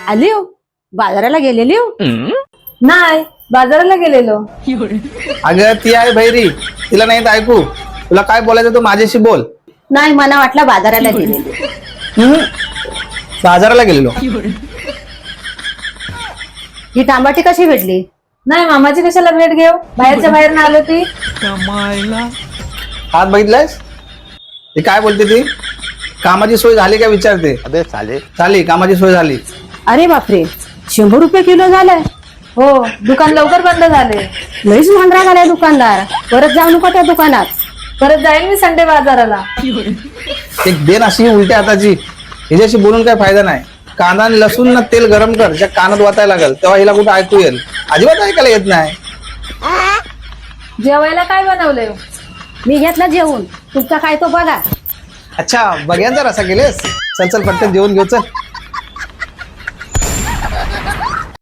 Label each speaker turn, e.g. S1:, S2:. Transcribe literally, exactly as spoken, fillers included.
S1: आली हो बाजाराला गेलेली हो
S2: नाही बाजाराला गेलेलो.
S3: अगं ती आहे भैरी, तिला नाही तर ऐकू. तुला काय बोलायचं तू माझ्याशी बोल.
S1: नाही मला वाटलं बाजाराला गेलेली.
S3: हम्म. बाजाराला गेलेलो.
S1: ही तांबाटी कशी भेटली?
S2: नाही मामाची कशाला भेट घेऊ, बाहेरच्या बाहेर ना आलो ती.
S3: हात बघितलायस? ती काय बोलते ती? कामाची सोय झाली का विचारते.
S4: अबे साले
S3: झाली, कामाची सोय झाली.
S1: अरे बापरे, शंभर रुपये किलो झालंय.
S2: हो दुकान लवकर बंद झाले.
S1: लईच महागडा झालाय दुकानदार. परत जाऊ नको त्या दुकानात.
S2: परत जाईन मी संडे बाजाराला.
S3: एक बेन अशी उलट्या हाताची, हिच्याशी बोलून काय फायदा नाही. कांदा आणि लसूण ना तेल गरम कर, ज्या कानात वाचायला लागल तेव्हा हिला कुठं ऐकू येईल. अजिबात ऐकायला येत नाही.
S2: जेवायला काय बनवलंय?
S1: मी घेतला जेवून, तुमचा काय तो बघा.
S3: अच्छा बघ्यांचा रसा गेलेस. चल चल पटकन जेवून घेऊ चल.